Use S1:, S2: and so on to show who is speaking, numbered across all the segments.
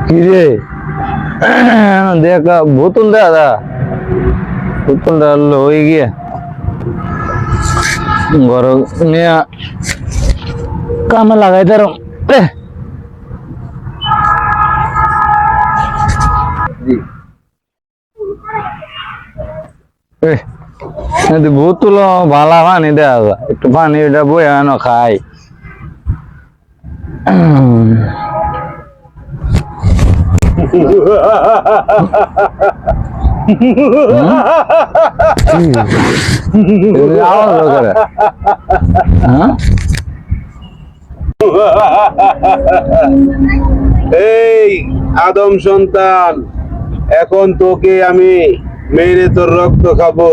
S1: কি রে দেখা বোতল দাদা বোতলটা হয়ে গিয়ে ঘর নিয়ে কামে লাগাই তার বোতল ভালা পানি দেওয়া একটু পানি এটা বয়ে আনো খাই
S2: এই আদম সন্তান, এখন তোকে আমি মেরে তোর রক্ত খাবো।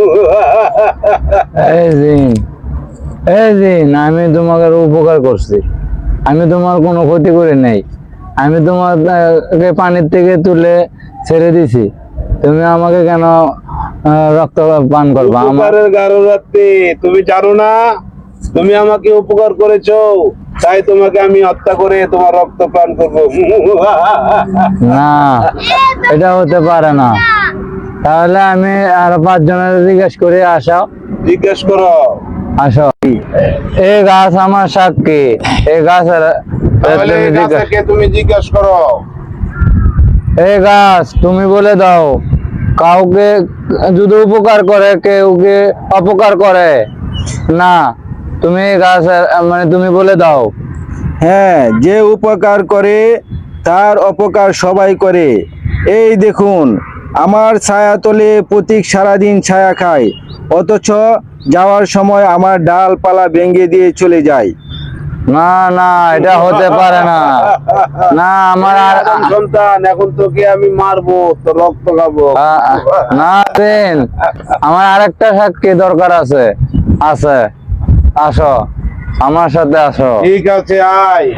S1: আমি তোমাকে উপকার করছি, আমি তোমার কোনো ক্ষতি করে নাই, আমি তোমাকে পানির থেকে তুলে ছেড়ে দিছি, তুমি আমাকে কেন রক্ত পান করবা?
S2: উপকারের গারোরাতে তুমি জানো না তুমি আমাকে উপকার করেছো, তাই তোমাকে আমি হত্যা করে তোমার রক্ত পান করবো।
S1: না, এটা হতে পারে না। তাহলে আমি আর 5 জনের জিজ্ঞেস করে আসো।
S2: জিজ্ঞেস করো।
S1: আসো। এই গাছ আমার সাক্ষী, এই গাছের
S2: তুমি জিজ্ঞেস করো।
S1: এই গাছ তুমি বলে দাও, কাউকে যদি উপকার করে কেউকে অপকার করে না, তুমি গাছ মানে তুমি বলে দাও।
S3: হ্যাঁ, যে উপকার করে তার অপকার সবাই করে। এই দেখুন, আমার ছায়া তলে প্রতীক সারাদিন ছায়া খায়, অথচ যাওয়ার সময় আমার ডালপালা ভেঙে দিয়ে চলে যায়।
S1: না না, এটা হতে পারে না। না, আমার
S2: আদম সন্তান, এখন তোকে আমি মারবো, তো রক্ত খাবো।
S1: না দেন, আমার আরেকটা সাক্ষী দরকার আছে। আছে, আসো আমার সাথে আসো।
S2: ঠিক আছে, আয়।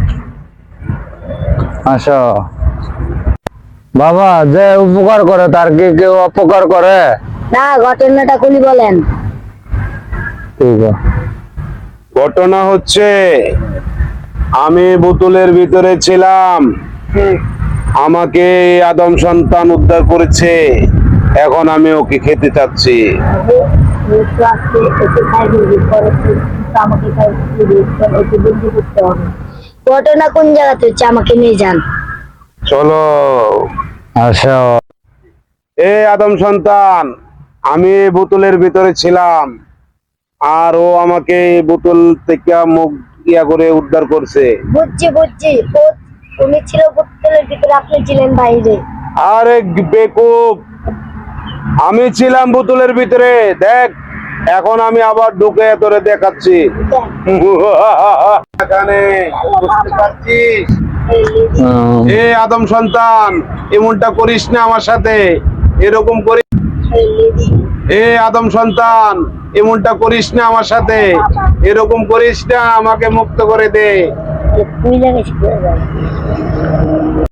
S1: আসো। বাবা, যে উপকার করে তার কি কেউ অপকার করে?
S4: না, ঘটনাটা খুলি বলেন।
S1: ঠিক আছে।
S2: ঘটনা হচ্ছে, আমি বোতলের ভিতরে ছিলাম, আমাকে আদম সন্তান উদ্ধার করেছে, এখন আমি ওকে খেতে চাচ্ছি।
S4: ঘটনা কোন জায়গাতে হচ্ছে আমাকে নিয়ে যান।
S2: চলো।
S1: আসো।
S2: এ আদম সন্তান, আমি বোতলের ভিতরে ছিলাম, আর ও আমাকে বোতল থেকে মুখ ইয়া করে উদ্ধার করছে।
S4: বুঝছি বুঝছি, উনি ছিল বোতলের ভিতরে, আপনি ছিলেন বাইরে।
S2: আরে বেকুব, আমি ছিলাম বোতলের ভিতরে, দেখ এখন আমি আবার ঢুকে তোরে দেখাচ্ছি। এখানে বুঝতে পারছিস? এ আদম সন্তান, এমনটা করিস না আমার সাথে, এরকম করিস। এ আদম সন্তান, এমনটা করিস না আমার সাথে, এরকম করিস না, আমাকে মুক্ত করে দে।